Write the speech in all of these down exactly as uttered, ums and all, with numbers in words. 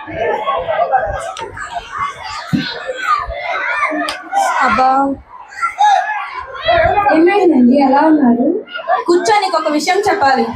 అబ్బా ఏమైందండి ఎలా ఉన్నారు? కూర్చొని ఒక విషయం చెప్పాలి.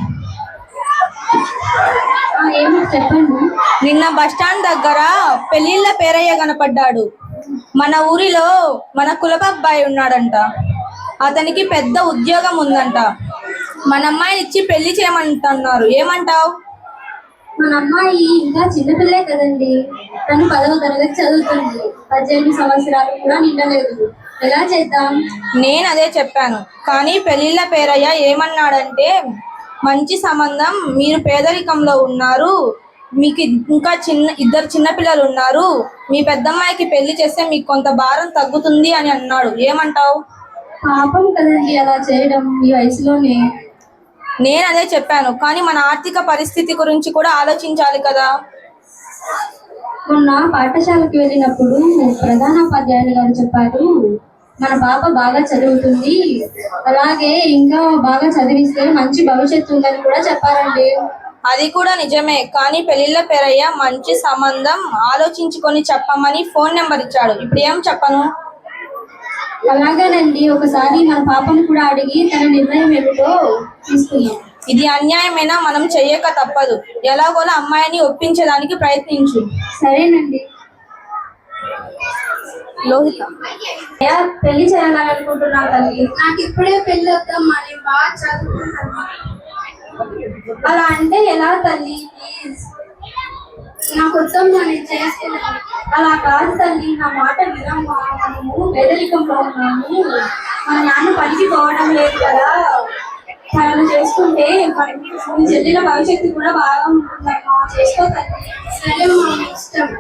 ఏమో చెప్పండి. నిన్న బస్టాండ్ దగ్గర పెళ్లిళ్ళ పేరయ్య కనపడ్డాడు. మన ఊరిలో మన కులపు అబ్బాయి ఉన్నాడంట. అతనికి పెద్ద ఉద్యోగం ఉందంట. మన అమ్మాయిని ఇచ్చి పెళ్లి చేయమంటున్నారు. ఏమంటావు? మన అమ్మాయి ఇంకా చిన్నపిల్లే కదండి. తను పదవ తరగతి చదువుతుంది. పద్దెనిమిది సంవత్సరాలు కూడా నిండలేదు. ఎలా చేద్దాం? నేను అదే చెప్పాను. కానీ పెళ్లిళ్ళ పేరయ్య ఏమన్నాడంటే, మంచి సంబంధం, మీరు పేదరికంలో ఉన్నారు, మీకు ఇంకా చిన్న ఇద్దరు చిన్నపిల్లలు ఉన్నారు, మీ పెద్దమ్మాయికి పెళ్లి చేస్తే మీకు కొంత భారం తగ్గుతుంది అని అన్నాడు. ఏమంటావు? పాపం కదండి అలా చేయడం ఈ వయసులోనే. నేను అదే చెప్పాను. కానీ మన ఆర్థిక పరిస్థితి గురించి కూడా ఆలోచించాలి కదా. మొన్న పాఠశాలకు వెళ్ళినప్పుడు ప్రధానోపాధ్యాయులు గారు చెప్పారు, మన పాప బాగా చదువుతుంది, అలాగే ఇంకా బాగా చదివిస్తే మంచి భవిష్యత్తు ఉందని కూడా చెప్పారండి. అది కూడా నిజమే. కానీ పెళ్లిళ్ళ పేరయ్య మంచి సంబంధం ఆలోచించుకొని చెప్పమని ఫోన్ నెంబర్ ఇచ్చాడు. ఇప్పుడు ఏం చెప్పను? అలాగేనండి, ఒకసారి మన పాపను కూడా అడిగి తన నిర్ణయం ఏమిటో తీసుకున్నాం. ఇది అన్యాయమైనా మనం చెయ్యక తప్పదు. ఎలాగోలా అమ్మాయిని ఒప్పించడానికి ప్రయత్నించు. సరేనండి. లోహిత, పెళ్లి చేయాలని అనుకుంటున్నా తల్లి. నాకు ఇప్పుడే పెళ్లి వద్దామా, నేను బాగా చదువుకుంటాను. అలా అంటే ఎలా తల్లి? ప్లీజ్ నాకు వద్దామా, నేను చేసుకున్నాను. అలా కాదు తల్లి, నా మాట వినమ్మా. మనము పేదరికంలో ఉన్నాము, మన నాన్న పనికి పోవడం లేదు కదా. తనను చేసుకుంటే మీ చెల్లిన భవిష్యత్తు కూడా బాగా ఉంటుందమ్మా. చేసుకో తల్లి. సరే మా ఇష్టం.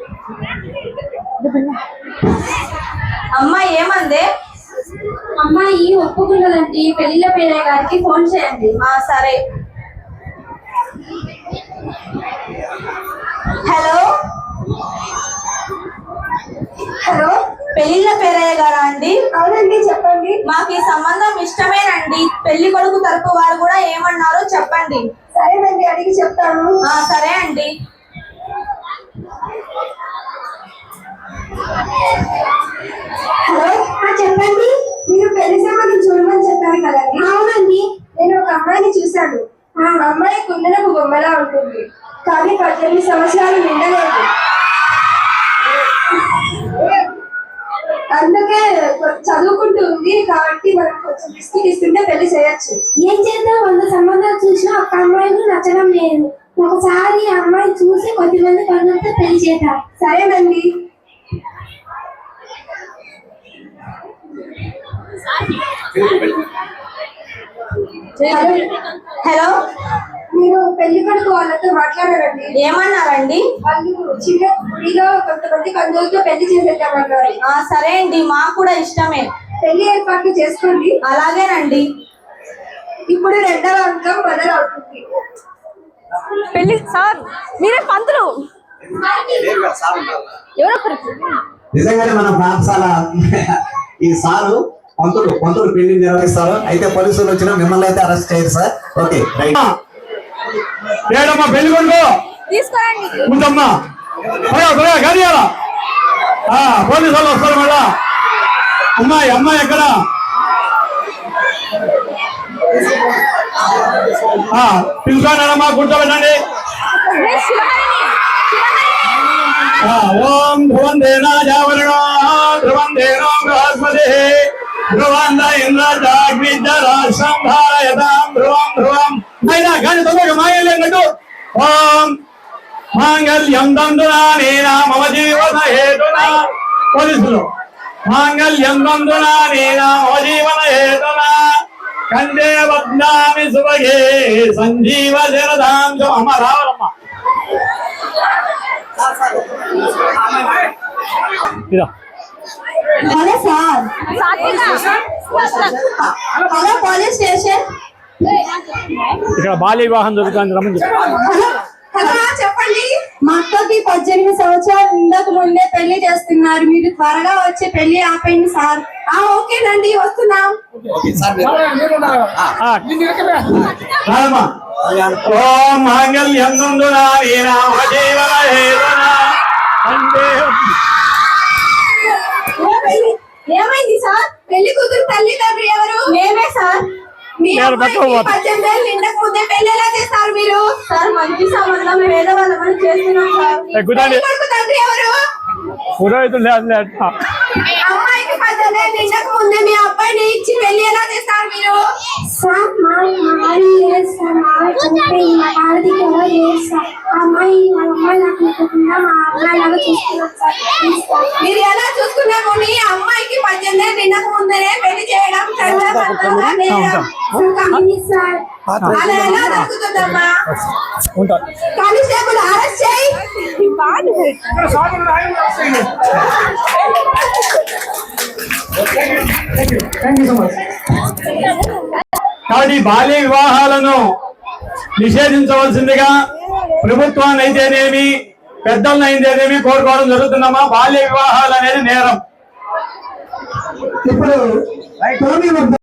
అమ్మాయి ఏమందే? అమ్మాయి ఒప్పుకున్నదండి. పెళ్లిళ్ళ పేరయ్య గారికి ఫోన్ చేయండి. ఆ సరే. హలో హలో పెళ్లిళ్ళ పేరయ్య గారా అండి? అవునండి, చెప్పండి. మాకు ఈ సంబంధం ఇష్టమేనండి. పెళ్లి కొడుకు తరపు వారు కూడా ఏమన్నారో చెప్పండి. సరేనండి, అడిగి చెప్తాను. ఆ సరే అండి. హలో, చెప్పండి. మీరు పెళ్లి సంబంధం చూడమని చెప్పారు కదండి? అవునండి. నేను ఒక అమ్మాయిని చూశాను. ఆ అమ్మాయి కుందనకు బొమ్మలా ఉంటుంది, కానీ పద్దెనిమిది సంవత్సరాలు నిండలేదు. అందుకే చదువుకుంటూ ఉంది కాబట్టి మనం కొంచెం బిస్కెట్ ఇస్తుంటే పెళ్లి చేయొచ్చు. ఏం చేద్దాం? వంద సంబంధాలు చూసినా ఒక అమ్మాయిని నచ్చడం లేదు. ఒకసారి అమ్మాయి చూసి కొద్దిమంది పనులతో పెళ్లి చేద్దాం. సరేనండి. హలో, మీరు పెళ్లి కొడుకు వాళ్ళతో మాట్లాడారండి. ఏమన్నారండి? వాళ్ళు చిన్న గుడిలో కొంతమంది బంధువులతో పెళ్లి చేసేద్దామన్నారు. ఆ సరే అండి, మాకు కూడా ఇష్టమే. పెళ్లి ఏర్పాట్లు చేసుకోండి. అలాగేనండి. ఇప్పుడు రెండవ అంకం మొదలవుతుంది. పెళ్లి సార్, మీరే పంతులు. ఎవరొకరు నిజంగానే మన పాఠశాల ఈ సారు పంతులు పంతులు పెళ్లి నిర్వహిస్తారు. అయితే పోలీసులు వచ్చినా మిమ్మల్ని అయితే అరెస్ట్ చేయరు సార్. Okay right. ఏడమ్మా పెళ్లి కొడుకు తీసుకురండి. ఉందమ్మా, గాడి పోలీసు వాళ్ళు వస్తారు మళ్ళా. అమ్మాయి అమ్మాయి ఎక్కడ? పిలుచుకోండమ్మా, కూర్చోబెట్టండి. ఓం ధ్రువం దేనా జావరణో ధ్రువం దేనో బృహస్పతి ధ్రువంద ఇంద్రజాగ్నిజరాశం ధారయతాం ధ్రువం ధ్రువం. అయినా కానీ తొందరగా మాంగళ్యం కట్టు. ఓం మాంగళ్యం దందునా మమ జీవన హేతునా. పోలీసులు మాంగళ్యం దందునా మమ జీవన హేతునా కందే వద్నామి సుభగే సంజీవ శరదాం. అమ్మ రావాలమ్మా. Hello sir. Hello police station. ఇక్కడ బాల్య వివాహం జరుగుతుంది, రమ్మని చెప్పి. హలో చెప్పండి. మా అక్కకి పద్దెనిమిది సంవత్సరాలు ఇంతకు ముందే పెళ్లి చేస్తున్నారు. మీరు త్వరగా వచ్చి పెళ్లి ఆపండి సార్. ఆ ఓకేనండి, వస్తున్నాం. ఓం మాంగళ్యం దందునా మమ జీవన హేతునా పెళ్లి కూతురు తల్లిదండ్రులు ఎవరు? మేమే సార్. మీ నేను అమ్మాయికి పట్టుకోబోతా. పద్దెనిమిది ఏళ్ళు నిండక ముందే పెళ్లి ఎలా చేస్తారు మీరు? సార్ మంచి సంబంధం పేదవాళ్ళమని చేస్తున్నాం సార్. ఎక్కుతాండి పెళ్లి కొడుకు తండ్రి ఎవరు? పురోహితులు లేదు లేదు. అమ్మాయికి పద్దెనిమిది ఏళ్ళు నిండక ముందే మీ అబ్బాయిని ఇచ్చి పెళ్లి ఎలా చేస్తారు మీరు? సార్ మా మాది లేదు సార్. మా చనిపోయి మా ఆడదికి ఎవరు లేదు సార్. అమ్మాయి మా అమ్మాయి నాకు లేకుండా మా అబ్బాయి లాగా చూస్తున్నాం సార్. Please sir. మీరు ఎలా చూసుకున్నాము? నీ అమ్మాయికి పద్దెనిమిది ఏళ్ళు నిండక ముందే పెళ్లి చేయడం చట్టబద్ధంగా నేరం. Please sir. అలా ఎలా దొరుకుతుందమ్మా? ఉంటా. కానిస్టేబుల్ అరెస్ట్ చేయి. కాబట్టి బాల్య వివాహాలను నిషేధించవలసిందిగా ప్రభుత్వాన్ని అయితేనేమి పెద్దలను అయితేనేమి కోరుకోవడం జరుగుతుందమ్మా. బాల్య వివాహాలు అనేది నేరం. ఇప్పుడు